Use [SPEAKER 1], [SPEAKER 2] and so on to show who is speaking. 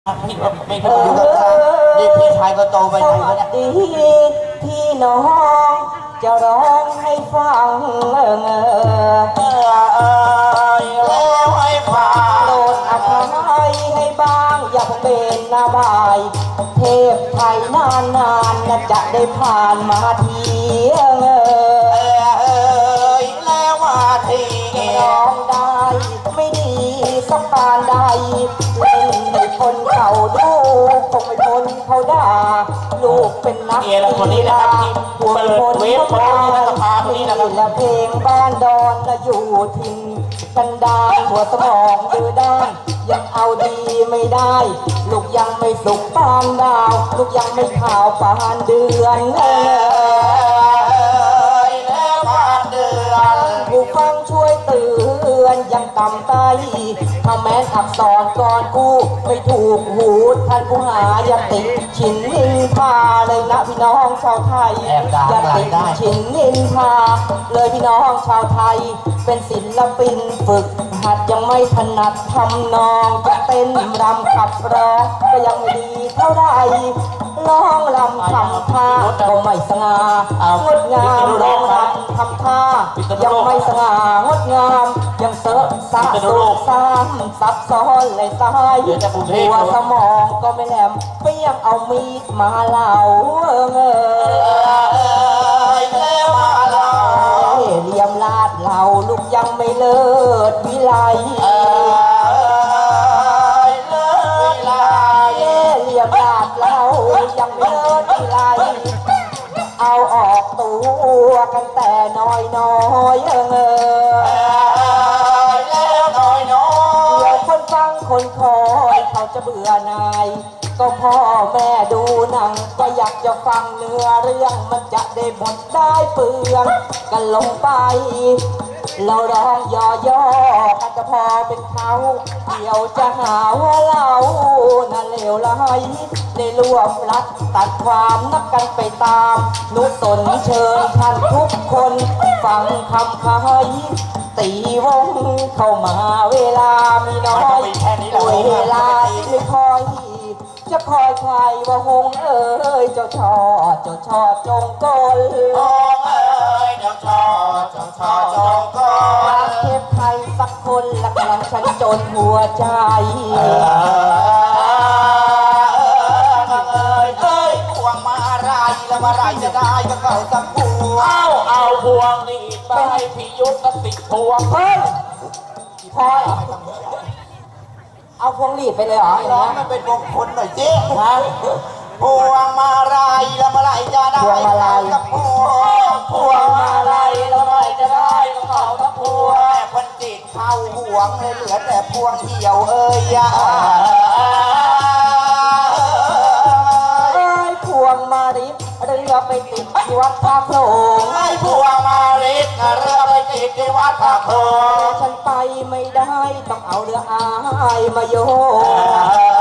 [SPEAKER 1] พี่ไม่ถูกอยู่กับฉันนี่พี่ชายก็โตไปไหนแล้วเนี่ย
[SPEAKER 2] ดีพี่น้องจะร้องให้ฟัง
[SPEAKER 1] แล้วให้ฟัง
[SPEAKER 2] โปรดอภัยให้บ้างอย่าเป็นนาบายเทพไทยนานๆจะได้ผ่านมาที
[SPEAKER 1] แล้วมาที
[SPEAKER 2] ร้องได้ไม่ดีสักปานใดเล่นให้คนเขาดูคงไม่พ้นเขาด่าลูกเป็นนักกีฬาหัวคนเขาด่าและเพลงบ้านดอนและอยู่ทิ้งกันดานหัวสมองดื้อด้านยังเอาดีไม่ได้ลูกยังไม่สุกปานดาวลูกยังไม่ขาวปานเดือน
[SPEAKER 1] แล้วปานเดือน
[SPEAKER 2] ผู้ฟังช่วยเตือนยังต่ำไตถ้าแม้อักษรก่อนกูไม่ถูกหูท่านผู้หาอย่าติดฉินนินทาเลยนะพี่น้องชาวไทยอย่าติดฉินนินทาเลยพี่น้องชาวไทยเป็นศิลปินฝึกหัดยังไม่ถนัดทำนองจะเต้นรำขับร้องก็ยังไม่ดีเท่าไรร้องรำทำท่าก็ไม่สง่างดงามร้องรำทำท่ายังไม่สง่างดงามยังเสอะสะสมซ้ำซับซ้อนเลยตายหัวสมองก็ไม่แหลมเปี้ยงเอามีดมาเล่า
[SPEAKER 1] แล้วมาเล่า
[SPEAKER 2] เลียมลาดเราลูกยังไม่เลิศวิไลเลียมลาดเรายังไม่เลิศวิไลเอาออกตัวกันแต่น้อย
[SPEAKER 1] แล้วน้อยเ
[SPEAKER 2] ดี๋ยวคนฟังคนคอยเขาจะเบื่อนายก็พ่อแม่ดูหนังก็อยากจะฟังเนื้อเรื่องมันจะได้บทได้เปลืองกันลงไปเราร้องย่อๆกันจะพอเป็นเขาเดี๋ยวจะหาว่าเราน่ะเลวร้ายได้รวบรัดตัดความนักกันไปตามนุสนเชิญท่านทุกคนฟังคำคายตีวงเข้ามาเวลามีน้อยเวลาไม่คอยจะคอยใครว่าหงเอ้ยเจ้าชอจงกล
[SPEAKER 1] หงเอ้ยเจ้าชอจงกล
[SPEAKER 2] เทพไทยสักคนละกำลังฉันจนหัวใจ
[SPEAKER 1] พวงมาไรแล้วมาไรจะได้ก็เก่าสักพวงเอาพวงนี่ไปให้พี่ยุทธติดพวง
[SPEAKER 2] เฮ้ยพอเหรอเอาพวงหลีดไปเลยเหรอ
[SPEAKER 1] ร้องมันเป็นมงคลหน่อยเจ๊ฮะพวงมาไรแล้วมาไรจะได้กับพวงมาไรแล้วมาไรจะได้ก็เก่าสักพวงแต่คนจิตเข้าห่วงเลยเหลือแต่พวงเหี่ยวเอ้ย
[SPEAKER 2] พวงมาริบเรือไปติดที่วัดท่าโขลง
[SPEAKER 1] พวงมาริบเรือไปติดที่วัดท่าโขลง
[SPEAKER 2] ฉันไปไม่ได้ต้องเอาเรืออายมาโย